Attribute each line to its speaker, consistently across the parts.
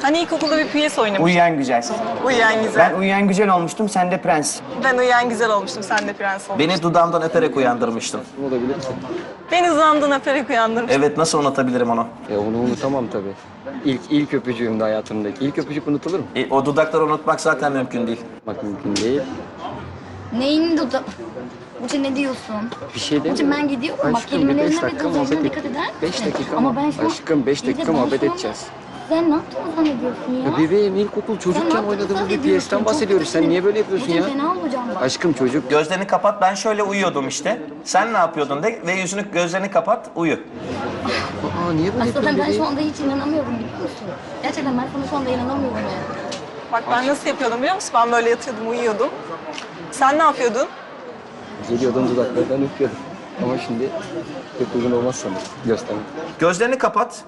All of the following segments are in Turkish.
Speaker 1: Hani ilkokulda bir piyes oynamıştık.
Speaker 2: Uyuyan güzel.
Speaker 1: Uyuyan güzel.
Speaker 2: Ben uyuyan güzel olmuştum, sen de prens.
Speaker 1: Ben uyuyan güzel olmuştum, sen de prens olmuştun.
Speaker 3: Beni dudağımdan öperek uyandırmıştın.
Speaker 4: Olabilir ki.
Speaker 1: Beni zandın öperek uyandırmıştın.
Speaker 3: Evet, nasıl unutabilirim onu?
Speaker 4: Onu unutamam tabii. İlk öpücüğümde hayatımdaki. İlk öpücük unutulur mu?
Speaker 3: O dudakları unutmak zaten mümkün değil.
Speaker 4: Bak mümkün değil.
Speaker 5: Neyin dudu? Burcu ne diyorsun?
Speaker 4: Bir şey
Speaker 5: Burcu
Speaker 4: demiyorum.
Speaker 5: ben gidiyorum. Bak
Speaker 4: Aşkım, bir
Speaker 5: kelimelerine
Speaker 4: beş
Speaker 5: ve
Speaker 4: dakika
Speaker 5: gözlerine
Speaker 4: muhabbet
Speaker 5: dikkat eder misin?
Speaker 4: 5 dakika
Speaker 5: Ama
Speaker 4: mı?
Speaker 5: ben şu an...
Speaker 4: Aşkım 5
Speaker 5: İyi de
Speaker 4: dakika
Speaker 5: ben
Speaker 4: muhabbet
Speaker 5: şu an-
Speaker 4: edeceğiz.
Speaker 5: Sen ne yaptığını zannediyorsun ya?
Speaker 4: Ya bebeğim ilkokul çocukken
Speaker 5: Sen ne
Speaker 4: oynadığımız bir
Speaker 5: yaptığını
Speaker 4: piyesten
Speaker 5: zannediyorsun?
Speaker 4: bahsediyoruz.
Speaker 5: Çok
Speaker 4: Sen niye böyle yapıyorsun
Speaker 5: Burcu
Speaker 4: ya?
Speaker 5: fena olacağım bak.
Speaker 4: Aşkım çocuk.
Speaker 3: Gözlerini kapat, ben şöyle uyuyordum işte. Sen ne yapıyordun de ve gözlerini kapat, uyu.
Speaker 4: Aa niye böyle
Speaker 5: Aslında
Speaker 4: yapıyorsun
Speaker 5: ben şu
Speaker 4: bebeğim?
Speaker 5: anda hiç inanamıyorum biliyor musun? Gerçekten ben sana şu anda inanamıyorum ya.
Speaker 1: Bak ben nasıl yapıyordum biliyor musun? Ben böyle yatıyordum, uyuyordum. Sen ne yapıyordun?
Speaker 4: Geliyordum dudaklardan öpüyordum. Ama şimdi pek uygun olmaz sanırım. Göstermek.
Speaker 3: Gözlerini kapat.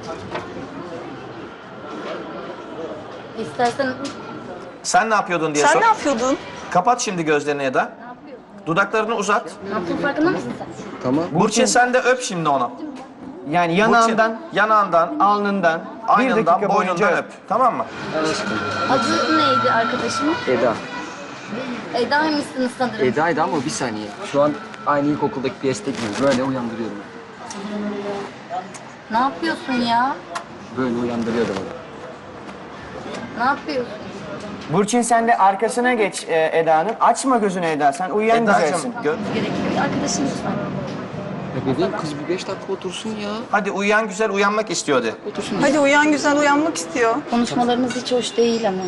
Speaker 5: İstersen...
Speaker 3: Sen ne yapıyordun diye
Speaker 1: Sen
Speaker 3: sor.
Speaker 1: ne yapıyordun?
Speaker 3: Kapat şimdi gözlerini Eda. Dudaklarını uzat.
Speaker 5: Ne yaptığın farkında mısın sen?
Speaker 4: Tamam.
Speaker 3: Burçin sen de öp şimdi onu.
Speaker 2: Yani yanağından,
Speaker 3: Yanağından,
Speaker 2: alnından, bir
Speaker 3: aynından,
Speaker 2: dakika boyunca
Speaker 3: boynundan
Speaker 2: öp.
Speaker 3: öp. Tamam mı?
Speaker 4: Aşkım.
Speaker 5: Adı neydi arkadaşımın?
Speaker 4: Eda.
Speaker 5: Eda'ymışsınız sanırım.
Speaker 4: Eda'ydı ama bir saniye. Şu an aynı ilkokuldaki piyesteki gibi böyle uyandırıyorum.
Speaker 5: Ne yapıyorsun ya?
Speaker 4: Böyle uyandırıyordum onu.
Speaker 5: Ne yapıyorsun?
Speaker 2: Burçin sen de arkasına geç Eda'nın. Açma gözünü Eda, sen uyuyan güzelsin.
Speaker 3: Eda'cığım,
Speaker 5: Gerekiyor. Arkadaşım lütfen.
Speaker 4: Ya bebeğim kız bir 5 dakika otursun ya.
Speaker 3: hadi uyuyan güzel uyanmak istiyordu.
Speaker 4: Otursun.
Speaker 1: Hadi uyuyan güzel uyanmak istiyor.
Speaker 5: Konuşmalarımız hiç hoş değil ama.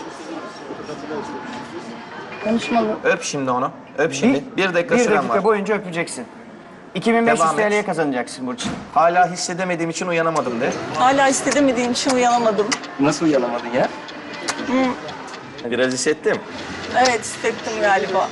Speaker 5: Konuşmalı.
Speaker 3: Öp şimdi onu. Öp şimdi. Bir dakika
Speaker 2: Bir
Speaker 3: süren
Speaker 2: dakika
Speaker 3: var.
Speaker 2: boyunca öpeceksin. 2500
Speaker 3: Devam et.
Speaker 2: TL'ye kazanacaksın Burçin.
Speaker 3: Hala hissedemediğim için uyanamadım de.
Speaker 1: Hala istedemediğim için uyanamadım.
Speaker 4: Nasıl uyanamadın ya?
Speaker 3: Biraz hissettim.
Speaker 1: Evet hissettim galiba.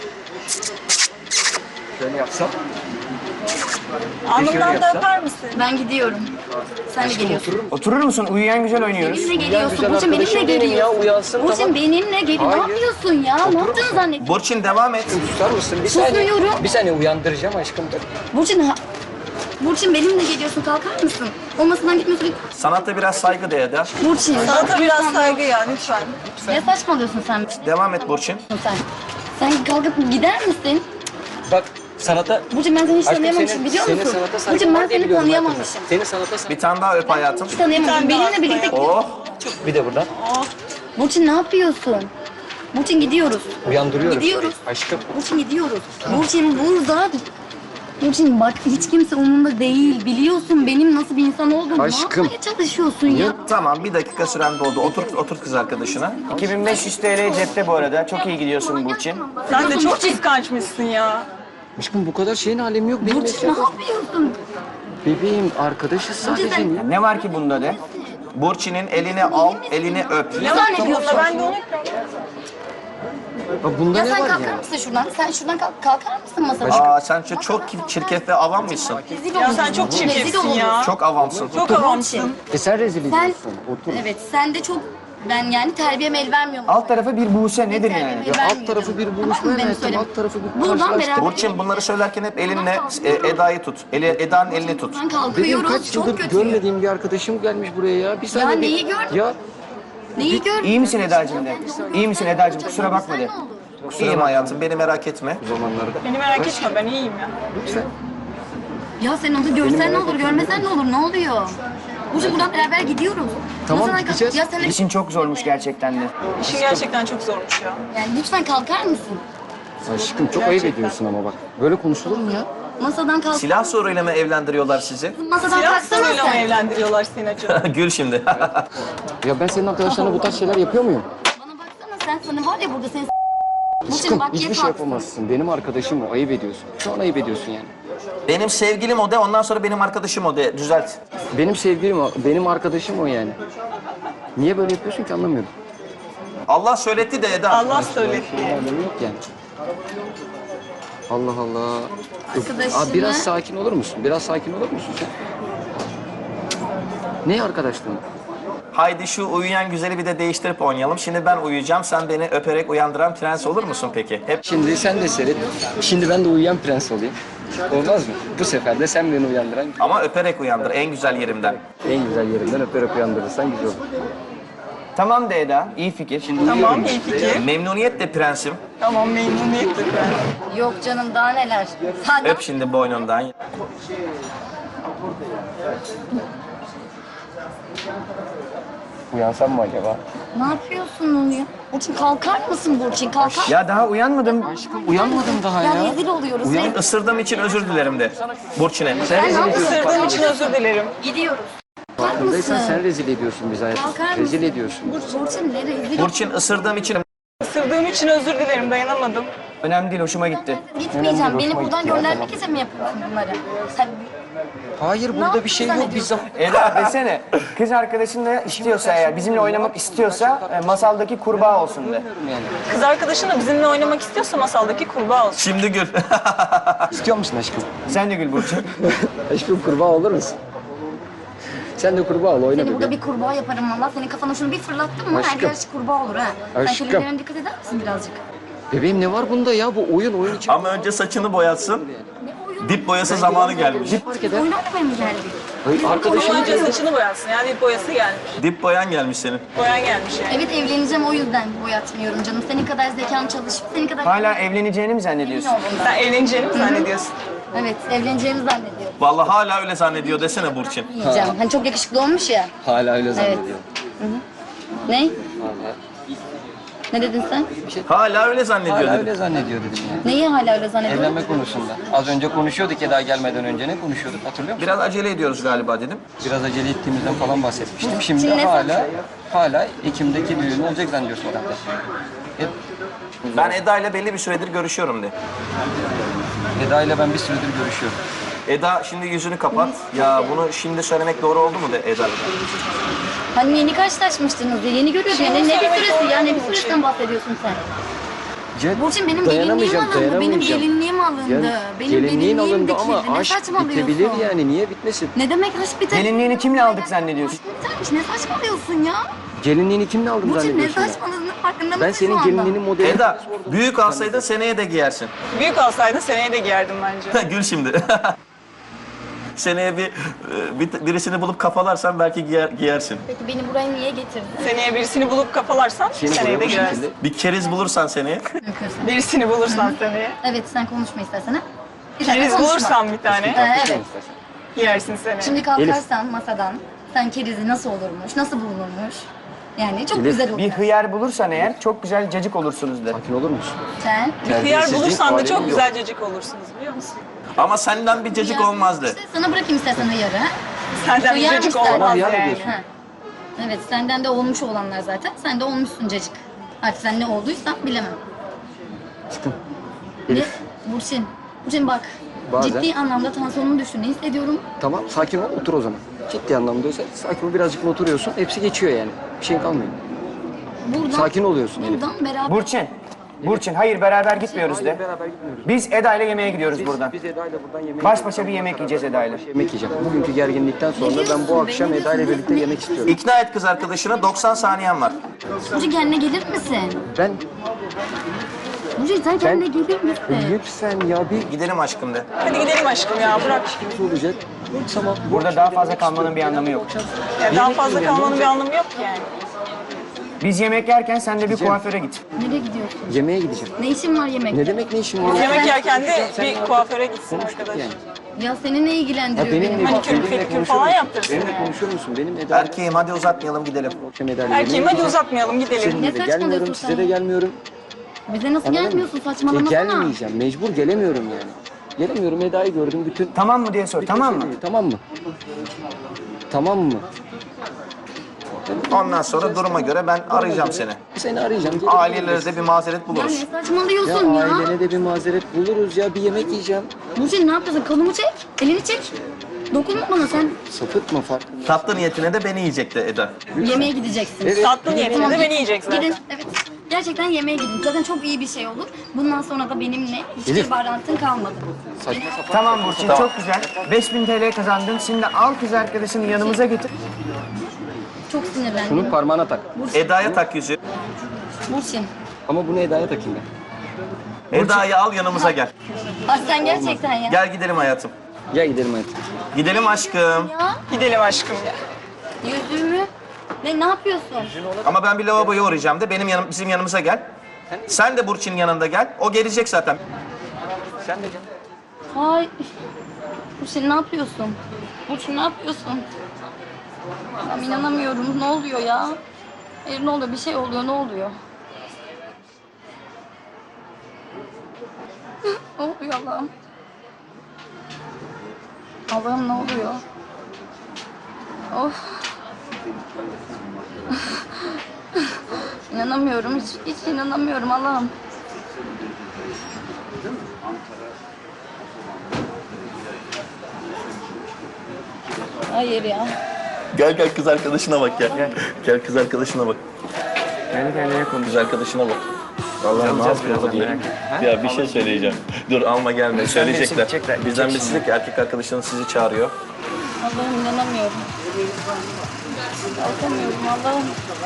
Speaker 4: Şöyle yapsam.
Speaker 1: Alnımdan da öper misin?
Speaker 5: Ben gidiyorum. Sen de geliyorsun.
Speaker 2: Oturur musun? Uyuyan güzel oynuyoruz.
Speaker 5: Benimle geliyorsun.
Speaker 4: güzel
Speaker 5: Burçin benimle
Speaker 4: arkadaşım benim ya,
Speaker 5: geliyorsun.
Speaker 4: uyansın,
Speaker 5: Burçin
Speaker 4: tamam.
Speaker 5: benimle geliyor. Ne
Speaker 4: Hayır.
Speaker 5: yapıyorsun ya? Ne yaptığını zannediyorsun?
Speaker 3: Burçin devam et.
Speaker 4: Susar mısın? Bir saniye.
Speaker 5: Susuyorum.
Speaker 4: Bir saniye uyandıracağım aşkım.
Speaker 5: Burçin benimle geliyorsun. Kalkar mısın? O masadan gitmiyorsun.
Speaker 3: Sanata biraz saygı de Eda.
Speaker 5: Burçin.
Speaker 1: Sanata biraz saygı ya lütfen.
Speaker 5: Ne saçmalıyorsun sen?
Speaker 3: Devam et Burçin.
Speaker 5: Sen. Sen kalkıp gider misin?
Speaker 4: Bak sanata...
Speaker 5: Burçin ben seni hiç
Speaker 4: Aşkım
Speaker 5: tanıyamamışım biliyor
Speaker 4: senin
Speaker 5: musun?
Speaker 4: sanata saygın
Speaker 5: Burçin ben
Speaker 4: var diye
Speaker 5: seni
Speaker 4: biliyorum
Speaker 5: tanıyamamışım.
Speaker 4: zaten. Senin sanata saygın.
Speaker 3: Bir tane daha öp hayatım.
Speaker 5: Hiç tanıyamamışım.
Speaker 1: Bir tane
Speaker 5: Benimle
Speaker 1: daha
Speaker 5: birlikte...
Speaker 3: Oh.
Speaker 4: Bir de buradan.
Speaker 5: Burçin ne yapıyorsun? Burçin gidiyoruz.
Speaker 4: Uyandırıyorum.
Speaker 5: Gidiyoruz.
Speaker 4: Aşkım.
Speaker 5: Burçin gidiyoruz. Burçin burada. Burçin bak hiç kimse umurumda değil. Biliyorsun benim nasıl bir insan olduğumu.
Speaker 4: Aşkım.
Speaker 5: Ne yapmaya çalışıyorsun ya?
Speaker 3: Tamam, bir dakika süren doldu. Otur kız arkadaşına.
Speaker 2: 2500 TL cepte bu arada. Çok iyi gidiyorsun Burçin.
Speaker 1: Sen de çok kıskançmışsın ya.
Speaker 4: Aşkım bu kadar şeyin alemi yok. Benim
Speaker 5: Burçin ne yapıyorsun?
Speaker 4: bebeğim arkadaşız sadece.
Speaker 5: sen-
Speaker 4: Niye?
Speaker 2: Ne var ki bunda de?
Speaker 3: Burçin'in elini al, elini öp.
Speaker 1: Ne zannediyorsun? Ben de onu
Speaker 4: Bak bunda
Speaker 5: Ya
Speaker 4: ne
Speaker 5: sen
Speaker 4: var
Speaker 5: kalkar
Speaker 4: ya?
Speaker 5: mısın şuradan? Sen şuradan kalkar mısın masadan?
Speaker 3: Aa, sen çok çirkef ve avam mısın?
Speaker 5: Rezil
Speaker 1: Ya
Speaker 5: olursun.
Speaker 1: sen çok
Speaker 5: Rezil
Speaker 1: çirkefsin
Speaker 5: olursun.
Speaker 1: ya.
Speaker 3: Çok avamsın.
Speaker 1: Çok avamsın.
Speaker 4: Sen rezil
Speaker 5: Sen,
Speaker 4: ediyorsun. Otur.
Speaker 5: evet sen de çok, ben yani terbiyeme el vermiyorum.
Speaker 2: Alt tarafı bir Buse nedir
Speaker 5: Terbiyeme
Speaker 2: yani?
Speaker 5: el
Speaker 4: Ya alt
Speaker 5: vermiyorum.
Speaker 4: tarafı bir
Speaker 5: Tamam mı?
Speaker 4: buluşma
Speaker 5: Benim
Speaker 4: hayatım.
Speaker 5: söyleyeyim.
Speaker 4: Alt tarafı bir
Speaker 5: Buradan
Speaker 4: karşılaştırma.
Speaker 5: beraber-
Speaker 3: Burçin bunları söylerken hep elinle Eda'yı tut. Eda'nın elini tut.
Speaker 5: Ben
Speaker 4: Bebeğim
Speaker 5: kalkıyoruz.
Speaker 4: kaç
Speaker 5: Çok
Speaker 4: yıldır
Speaker 5: kötüyüm.
Speaker 4: görmediğim bir arkadaşım gelmiş buraya ya. Bir saniye.
Speaker 5: Ya neyi gördün?
Speaker 4: Ya
Speaker 5: Neyi gördün?
Speaker 2: İyi misin Eda'cığım de? İyi misin Eda'cığım? Kusura bakma de.
Speaker 3: İyiyim hayatım, beni merak etme.
Speaker 4: bu zamanlarda.
Speaker 1: Beni merak etme ben iyiyim ya.
Speaker 4: Lütfen.
Speaker 5: Ya sen onu görsen ne olur, görmesen ne olur, ne oluyor? Burcu buradan beraber gidiyoruz.
Speaker 4: Tamam,
Speaker 5: Masadan kalk-
Speaker 4: gideceğiz.
Speaker 5: Ya sen de...
Speaker 2: İşin çok zormuş gerçekten de.
Speaker 1: İşin gerçekten çok zormuş ya.
Speaker 5: Yani lütfen kalkar mısın?
Speaker 4: Aşkım çok ayıp ediyorsun ama bak. Böyle konuşulur mu ya?
Speaker 5: Masadan kalk.
Speaker 3: Silah soruyla mı evlendiriyorlar sizi?
Speaker 5: Masadan
Speaker 1: Silah
Speaker 5: kalksana
Speaker 1: soruyla mı
Speaker 5: sen.
Speaker 1: evlendiriyorlar seni acaba?
Speaker 3: Gül şimdi.
Speaker 4: Ya ben senin arkadaşlarına bu tarz şeyler yapıyor muyum?
Speaker 5: Bana baksana sen, sana var ya burada senin Burcu
Speaker 4: Aşkım
Speaker 5: bak
Speaker 4: hiçbir
Speaker 5: ye
Speaker 4: şey
Speaker 5: kalksın.
Speaker 4: yapamazsın. Benim arkadaşım o. Ayıp ediyorsun. Şu an ayıp ediyorsun yani.
Speaker 3: Benim sevgilim o de, ondan sonra benim arkadaşım o de. Düzelt.
Speaker 4: Benim sevgilim o. Benim arkadaşım o yani. Niye böyle yapıyorsun ki anlamıyorum.
Speaker 3: Allah söyletti de Eda.
Speaker 1: Allah söyletti.
Speaker 4: Alemi yok yani. Allah Allah.
Speaker 5: Arkadaşını-
Speaker 4: Abi biraz sakin olur musun? Biraz sakin olur musun sen? Ne arkadaşlığın?
Speaker 3: Haydi şu uyuyan güzeli bir de değiştirip oynayalım. Şimdi ben uyuyacağım, sen beni öperek uyandıran prens olur musun peki? Hep
Speaker 4: Şimdi sen de seyret. Şimdi ben de uyuyan prens olayım. Olmaz mı? Bu sefer de sen beni uyandıran
Speaker 3: ama öperek uyandır en güzel yerimden.
Speaker 4: en güzel yerinden öperek uyandırırsan güzel olur.
Speaker 2: Tamam de Eda, iyi fikir.
Speaker 1: Tamam, iyi fikir.
Speaker 3: Memnuniyetle prensim.
Speaker 1: Tamam, memnuniyetle ben.
Speaker 5: Yok canım daha neler. Sen
Speaker 3: Öp şimdi boynundan.
Speaker 4: Uyansam mı acaba?
Speaker 5: ne yapıyorsun ya? Burçin kalkar mısın Burçin? Kalkar.
Speaker 2: Ya daha uyanmadım.
Speaker 4: Uyanmadım daha
Speaker 5: Ya rezil oluyoruz. rezil.
Speaker 3: Isırdığım için özür dilerim de. Burçin'e.
Speaker 5: Sen ne yapıyorsun?
Speaker 1: Isırdığım için özür dilerim.
Speaker 5: Gidiyoruz. Kalkar
Speaker 4: Farkındaysan
Speaker 5: mısın?
Speaker 4: sen rezil ediyorsun bizi hayatım.
Speaker 5: Kalkar mısın?
Speaker 4: Rezil ediyorsun.
Speaker 5: Burçin ne rezil?
Speaker 3: Burçin ısırdığım için
Speaker 1: Isırdığım için özür dilerim, dayanamadım.
Speaker 2: Önemli değil, hoşuma gitti.
Speaker 5: Gitmeyeceğim.
Speaker 4: Önemli,
Speaker 5: Beni
Speaker 4: hoşuma
Speaker 5: buradan
Speaker 4: gitti ya,
Speaker 5: göndermek için mi yapıyorsun bunları? Sen
Speaker 4: Hayır burada bir şey yok. Biz
Speaker 2: Eda desene, kız arkadaşın da istiyorsa eğer, bizimle oynamak istiyorsa masaldaki kurbağa olsun de.
Speaker 4: yani.
Speaker 1: Kız arkadaşın da bizimle oynamak istiyorsa masaldaki kurbağa olsun.
Speaker 3: şimdi gül.
Speaker 4: İstiyor musun aşkım?
Speaker 2: Sen de gül Burçin.
Speaker 4: Aşkım kurbağa olur musun? Sen de kurbağa ol oyna
Speaker 5: seni burada
Speaker 4: bebeğim.
Speaker 5: bir kurbağa yaparım valla. Senin kafana şunu bir fırlattım mı? Her
Speaker 4: Aşkım.
Speaker 5: yer kurbağa olur ha. Sen
Speaker 4: Aşkım.
Speaker 5: kelimelerine dikkat eder misin birazcık?
Speaker 4: Bebeğim ne var bunda ya? Bu oyun için.
Speaker 3: Ama önce saçını boyatsın.
Speaker 5: Ne oyun?
Speaker 3: Dip boyası zamanı gelmiş.
Speaker 4: Fark eder.
Speaker 5: Oyun oynamaya mı geldik?
Speaker 4: Hayır, arkadaşım
Speaker 1: Önce saçını boyatsın, yani bir boyası gelmiş.
Speaker 3: Dip boyan gelmiş senin.
Speaker 1: Boyan gelmiş yani.
Speaker 5: Evet evleneceğim o yüzden boyatmıyorum canım. Senin kadar zekam çalışıp senin kadar...
Speaker 2: Hala evleneceğini mi zannediyorsun?
Speaker 5: Emin ol bundan.
Speaker 1: Sen evleneceğini mi zannediyorsun?
Speaker 5: Evet evleneceğimi zannediyorum.
Speaker 3: Vallahi hala öyle zannediyor desene Burçin.
Speaker 5: Yiyeceğim. Hani çok yakışıklı olmuş ya.
Speaker 4: hala öyle zannediyor.
Speaker 5: Ne?
Speaker 4: Hala.
Speaker 5: Ne dedin sen?
Speaker 3: Hala öyle zannediyor
Speaker 4: Hala
Speaker 3: dedim.
Speaker 4: öyle zannediyor dedim ya.
Speaker 5: Neyi hala öyle zannediyorsun?
Speaker 4: Evlenme konusunda. Az önce konuşuyorduk Eda gelmeden önce ne konuşuyorduk hatırlıyor musun?
Speaker 3: Biraz acele ediyoruz galiba dedim.
Speaker 4: Biraz acele ettiğimizden falan bahsetmiştim. Şimdi
Speaker 5: Şimdi ne
Speaker 4: hala Ekim'deki düğün olacak zannediyorsun herhalde. Hep
Speaker 3: Ben Eda ile belli bir süredir görüşüyorum de.
Speaker 4: Eda ile ben bir süredir görüşüyorum.
Speaker 3: Eda şimdi yüzünü kapat. Ya bunu şimdi söylemek doğru oldu mu de Eda?
Speaker 5: Hani yeni karşılaşmıştınız ya, yeni görüyordun. Ne bir süresi ya, ne bir süresinden bahsediyorsun sen? Burçin benim gelinliğim alındı, benim gelinliğim alındı.
Speaker 4: Yani
Speaker 5: Benim
Speaker 4: gelinliğin alındı
Speaker 5: gelinliğim
Speaker 4: ama
Speaker 5: dikildi. Ne
Speaker 4: aşk
Speaker 5: saçmalıyorsun?
Speaker 4: bitebilir yani niye bitmesin?
Speaker 5: Ne demek aşk biter?
Speaker 2: Gelinliğini kimle aldık zannediyorsun?
Speaker 5: Bitermiş, ne saçmalıyorsun ya?
Speaker 4: Gelinliğini kimle aldın
Speaker 5: Burçin ne
Speaker 4: zannediyorsun ya?
Speaker 5: saçmalığının farkında mısın
Speaker 4: Ben
Speaker 5: şu
Speaker 4: senin
Speaker 5: anda?
Speaker 4: gelinliğinin modelini...
Speaker 3: Eda büyük alsaydın seneye de giyersin.
Speaker 1: Büyük alsaydın seneye de giyerdim bence.
Speaker 3: Gül şimdi. Seneye birisini bulup kafalarsan belki giyersin.
Speaker 5: Peki beni buraya niye getirdin?
Speaker 1: Seneye birisini bulup kafalarsan
Speaker 4: Seni
Speaker 1: seneye
Speaker 4: buraya
Speaker 1: de
Speaker 4: bu
Speaker 1: giyersin.
Speaker 4: şekilde...
Speaker 3: Bir keriz bulursan seneye.
Speaker 5: Mümkünse.
Speaker 1: Birisini bulursan seneye.
Speaker 5: Evet sen konuşma istersen ha. Bir dakika,
Speaker 1: Keriz
Speaker 5: konuşma.
Speaker 1: bulursan bir tane
Speaker 5: Evet.
Speaker 1: giyersin seneye.
Speaker 5: Şimdi kalkarsan masadan sen kerizi nasıl olurmuş, nasıl bulunurmuş? Yani çok güzel olur.
Speaker 2: Bir hıyar bulursan eğer çok güzel cacık olursunuz de.
Speaker 4: Sakin olur musun?
Speaker 5: Sen
Speaker 1: Hıyar
Speaker 4: Terbiyesizlik
Speaker 1: bulursan da
Speaker 4: alemi
Speaker 1: çok
Speaker 4: yok.
Speaker 1: güzel cacık olursunuz biliyor musun?
Speaker 3: Ama senden bir cacık olmazdı.
Speaker 5: İşte sana bırakayım istersen hıyarı. Ha?
Speaker 1: Senden bir
Speaker 5: Hıyar
Speaker 1: cacık
Speaker 5: mı ister?
Speaker 1: olmaz
Speaker 4: Hıyar mı
Speaker 1: yani.
Speaker 4: diyorsun?
Speaker 5: Ha. Evet senden de olmuş olanlar zaten. Sen de olmuşsun cacık. Artık sen ne olduysan bilemem.
Speaker 4: Çıkın.
Speaker 5: Ne? Burçin. Burçin bak.
Speaker 4: Bazen-
Speaker 5: Ciddi anlamda tansiyonunu düştü. Ne hissediyorum?
Speaker 4: Tamam sakin ol otur o zaman. Ciddi anlamdaysa sakin ol birazcık oturuyorsun. Hepsi geçiyor yani. Bir şey kalmıyor.
Speaker 5: Buradan,
Speaker 4: Sakin oluyorsun Elif.
Speaker 5: buradan beraber...
Speaker 2: Burçin hayır beraber gitmiyoruz de.
Speaker 4: Beraber gitmiyoruz.
Speaker 2: Biz Eda ile yemeğe gidiyoruz buradan.
Speaker 4: Biz Eda ile buradan yemek
Speaker 2: Baş başa bir yemek yiyeceğiz Eda ile.
Speaker 4: yemek yiyeceğim. Bugünkü gerginlikten sonra
Speaker 5: diyorsun?
Speaker 4: ben bu akşam
Speaker 5: Beni
Speaker 4: Eda ile
Speaker 5: diyorsun,
Speaker 4: birlikte
Speaker 5: ne?
Speaker 4: yemek istiyorum.
Speaker 3: İkna et kız arkadaşına 90 saniyen var.
Speaker 5: Burçin kendine gelir misin?
Speaker 4: Ben
Speaker 5: Burçin sen kendine gelir misin?
Speaker 4: lütfen ya bir
Speaker 3: Gidelim aşkım de.
Speaker 1: Hadi gidelim aşkım ya bırak.
Speaker 4: şey olacak. Tamam.
Speaker 2: Burada daha fazla kalmanın bir anlamı yok.
Speaker 1: Ya daha fazla kalmanın bir anlamı yok ki yani.
Speaker 2: Biz yemek yerken sen de bir kuaföre git.
Speaker 5: Nereye gidiyorsun?
Speaker 4: Yemeğe gideceğim.
Speaker 5: Ne işin var yemekte?
Speaker 4: Ne demek ne işin var?
Speaker 1: Yemek yerken de bir kuaföre gitsin
Speaker 4: Konuştuk
Speaker 1: arkadaş.
Speaker 4: yani.
Speaker 5: Ya seni ne
Speaker 4: Ya
Speaker 5: ilgilendiriyor
Speaker 4: benimle,
Speaker 5: benim?
Speaker 1: Manikür,
Speaker 4: benimle
Speaker 1: pedikür
Speaker 4: konuşur
Speaker 1: falan
Speaker 4: musun?
Speaker 1: yaptırsın
Speaker 4: Benimle
Speaker 1: yani.
Speaker 4: konuşur musun? Benim Eda
Speaker 3: Erkeğim hadi uzatmayalım gidelim.
Speaker 4: akşam Eda ile
Speaker 1: Erkeğim
Speaker 4: yemeğe
Speaker 1: hadi
Speaker 4: gideceğim.
Speaker 1: uzatmayalım gidelim.
Speaker 4: Seninle
Speaker 5: Ne
Speaker 4: de
Speaker 5: saçmalıyorsun
Speaker 4: gelmiyorum,
Speaker 5: sen
Speaker 4: size de
Speaker 5: ya?
Speaker 4: gelmiyorum.
Speaker 5: Bize nasıl
Speaker 4: Anladın
Speaker 5: gelmiyorsun?
Speaker 4: mı?
Speaker 5: Saçmalamasana.
Speaker 4: Gelmeyeceğim, mecbur gelemiyorum yani. Gelemiyorum, Eda'yı gördüm bütün...
Speaker 2: Tamam mı diye sor, tamam mı?
Speaker 4: Tamam mı? Tamam mı?
Speaker 3: Ondan sonra duruma göre ben arayacağım seni.
Speaker 4: Seni arayacağım. gelip
Speaker 3: Ailelere de bir mazeret
Speaker 5: Ya
Speaker 3: buluruz.
Speaker 5: ne
Speaker 4: Ya
Speaker 5: saçmalıyorsun ya?
Speaker 4: ailene de bir mazeret buluruz ya. Bir yemek yiyeceğim.
Speaker 5: Burçin ne yapıyorsun? Kolumu çek. Elini çek. Dokunma bana sen.
Speaker 4: Sapıtma farkında.
Speaker 3: Tatlı niyetine de beni yiyecekti Eda.
Speaker 5: Yemeğe gideceksin.
Speaker 4: Evet.
Speaker 1: Tatlı niyetine de beni yiyecek zaten.
Speaker 5: Gidin. Evet. Gerçekten yemeğe gidin. Zaten çok iyi bir şey olur. Bundan sonra da benimle hiçbir
Speaker 4: Elif.
Speaker 5: bağlantın kalmadı.
Speaker 4: Saçma sapan.
Speaker 2: Tamam Burçin çok güzel. 5000 TL kazandın. Şimdi al kız arkadaşını yanımıza getir.
Speaker 5: Çok sinirlendim.
Speaker 4: Şunu parmağına tak.
Speaker 3: Eda'ya tak yüzü.
Speaker 5: Burçin.
Speaker 4: Ama bunu Eda'ya takayım ben.
Speaker 3: Eda'yı al yanımıza gel.
Speaker 5: Bak sen gerçekten ya.
Speaker 3: Gel gidelim hayatım.
Speaker 4: Gel gidelim hayatım.
Speaker 3: Gidelim aşkım.
Speaker 5: Ya
Speaker 1: Gidelim aşkım ya.
Speaker 5: yüzüğümü Ne yapıyorsun?
Speaker 3: Ama ben bir lavaboya uğrayacağım de bizim yanımıza gel. Sen de Burçin'in yanında gel. O gelecek zaten.
Speaker 2: Sen de gel.
Speaker 5: Hay. Burçin ne yapıyorsun? Burçin ne yapıyorsun? Ben inanamıyorum. Ne oluyor ya? Hayır ne oluyor? Bir şey oluyor. Ne oluyor? Ne oluyor Allah'ım? Allah'ım ne oluyor? Of. İnanamıyorum. Hiç inanamıyorum Allah'ım. Hayır ya.
Speaker 3: Gel kız arkadaşına bak gel. Gel kız arkadaşına bak.
Speaker 2: Kendi kendine konuş.
Speaker 3: Kız arkadaşına bak. Vallahi ne yapıyor diye. Ya bir şey söyleyeceğim. Dur alma gelme. Söyleyecekler.
Speaker 2: Gidecekler.
Speaker 3: Bizden birisi dedi ki erkek arkadaşınız sizi çağırıyor.
Speaker 5: Allah'ım inanamıyorum. Kalkamıyorum Allah'ım.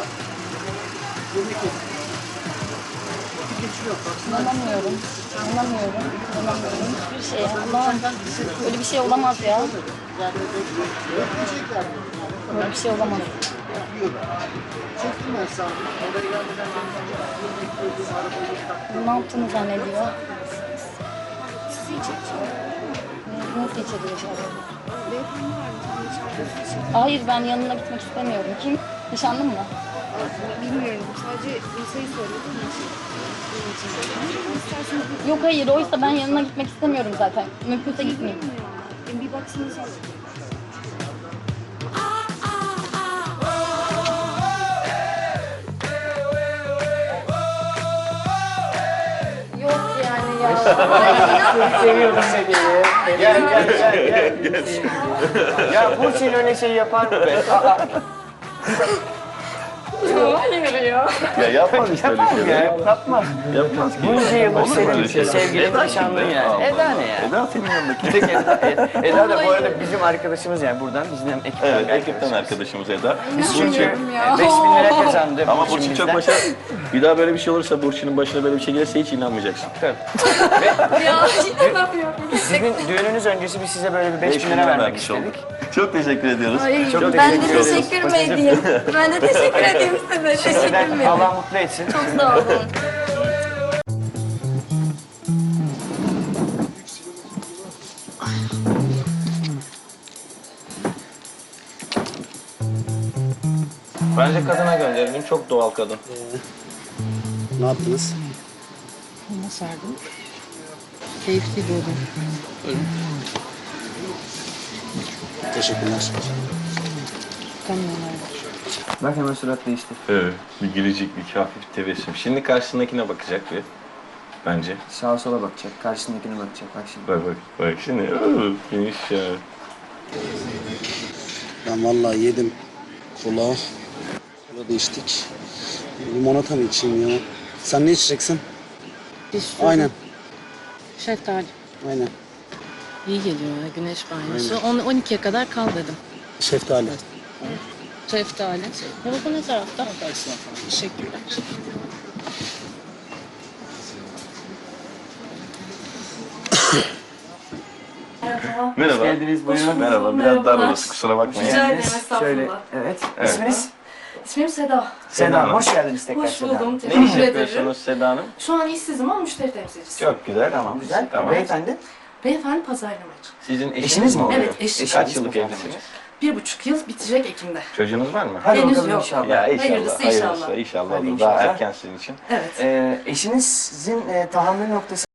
Speaker 5: İnanamıyorum. İnanamıyorum. İnanamıyorum. Hiçbir şey Allah'ım. Böyle bir şey olamaz ya. Böyle bir şey olamaz. Ne yaptığını zannediyor. Nasıl içeriyor acaba? Hayır ben yanına gitmek istemiyorum. Kim? Nişanlın mı?
Speaker 6: Bilmiyorum. Sadece sayı söyledim. İsterseniz
Speaker 5: Yok hayır oysa ben yanına gitmek istemiyorum zaten. Mümkünse gitmeyeyim.
Speaker 6: bir baksanız
Speaker 5: Yok yani ya.
Speaker 2: Seviyorum seni. Gel. Ya Burçin öyle şey yapar mı be?
Speaker 5: Hayır ya.
Speaker 3: Ya yapmaz işte öyle
Speaker 2: Yapar mı
Speaker 3: şeyler.
Speaker 2: ya? Yapmaz.
Speaker 3: Yapmaz ki.
Speaker 2: Bunca yıllık
Speaker 3: Olur mu öyle
Speaker 2: senin
Speaker 3: şeyler?
Speaker 2: sevgilin
Speaker 3: Eda
Speaker 2: nişanlın
Speaker 3: kimdi?
Speaker 2: yani.
Speaker 3: Allah
Speaker 2: Eda
Speaker 3: Allah.
Speaker 2: ne ya?
Speaker 3: Eda senin yanındaki.
Speaker 2: Bir tek Eda da bu arada bizim arkadaşımız yani buradan bizim hem ekipten
Speaker 3: Evet,
Speaker 2: bir
Speaker 3: ekipten
Speaker 2: arkadaşımız.
Speaker 3: arkadaşımız Eda.
Speaker 2: Biz çünkü
Speaker 5: İnanmıyorum ya.
Speaker 2: 5.000 lira kazandı.
Speaker 3: Ama Burçin
Speaker 2: bizden.
Speaker 3: çok başa... Bir daha böyle bir şey olursa, Burçin'in başına böyle bir şey gelirse hiç inanmayacaksın.
Speaker 2: Tabii.
Speaker 5: Ya inanamıyorum.
Speaker 2: Sizin düğününüz öncesi biz size böyle bir 5.000 lira vermek istedik.
Speaker 3: Çok teşekkür ediyoruz.
Speaker 5: Hayır,
Speaker 2: Çok
Speaker 5: ben de
Speaker 2: teşekkür ederiz.
Speaker 5: teşekkür mü edeyim? Ben de teşekkür edeyim size. Teşekkür
Speaker 2: Şimdiden
Speaker 5: mü
Speaker 2: Allah
Speaker 5: edeyim?
Speaker 2: mutlu etsin.
Speaker 5: Çok sağ olun.
Speaker 3: Bence kadına gönderelim. Çok doğal kadın.
Speaker 7: Ne yaptınız?
Speaker 6: Ona sardım. Keyifli bir odun.
Speaker 7: Teşekkürler.
Speaker 6: Kamyonlar.
Speaker 2: Bak hemen surat değişti.
Speaker 3: Evet. Bir gülecek, bir hafif tebessüm. Şimdi karşısındakine bakacak bir. Bence.
Speaker 2: Sağa sola bakacak, karşısındakine bakacak. Bak şimdi.
Speaker 3: Bak şimdi. Geniş ya.
Speaker 7: Ben vallahi yedim. Kola. Kola da içtik. Limonata mı içeyim ya? Sen ne içeceksin? Aynen.
Speaker 6: Şeftali.
Speaker 7: Aynen.
Speaker 6: İyi geliyor ya güneş banyosu. 12'ye kadar kal dedim.
Speaker 7: Şeftali.
Speaker 6: Şeftali. Ya bu ne tarafta? Teşekkürler.
Speaker 3: Merhaba.
Speaker 2: Geldiniz, buyurun.
Speaker 3: Merhaba. Biraz dar orası, kusura bakmayın.
Speaker 1: Rica ederim, estağfurullah.
Speaker 2: Şöyle, evet.
Speaker 3: Evet.
Speaker 2: İsminiz?
Speaker 8: İsmim Seda.
Speaker 2: Seda
Speaker 3: Hanım.
Speaker 2: hoş geldiniz tekrar
Speaker 8: Hoş
Speaker 2: Seda
Speaker 8: buldum.
Speaker 2: Hanım.
Speaker 3: Ne iş
Speaker 8: Teşekkür ederim.
Speaker 3: yapıyorsunuz Seda Hanım?
Speaker 8: Şu an işsizim ama müşteri temsilcisi.
Speaker 3: Çok güzel.
Speaker 2: Tamam, güzel.
Speaker 3: Tamam.
Speaker 2: Beyefendi?
Speaker 8: Beyefendi pazarlamacı.
Speaker 3: Sizin
Speaker 2: Eşiniz mi oluyor?
Speaker 8: Evet, eşim.
Speaker 3: Kaç yıllık evlisiniz?
Speaker 8: 1,5 yıl bitecek Ekim'de.
Speaker 3: Çocuğunuz var mı?
Speaker 2: Hadi
Speaker 8: Henüz
Speaker 2: bakalım
Speaker 8: yok.
Speaker 2: inşallah.
Speaker 3: Ya inşallah.
Speaker 8: Hayırlısı inşallah.
Speaker 3: Hayırlısı inşallah
Speaker 2: Hadi
Speaker 3: olur. Daha
Speaker 2: inşallah.
Speaker 3: erken sizin için.
Speaker 8: Evet.
Speaker 2: Eşinizin tahammül noktası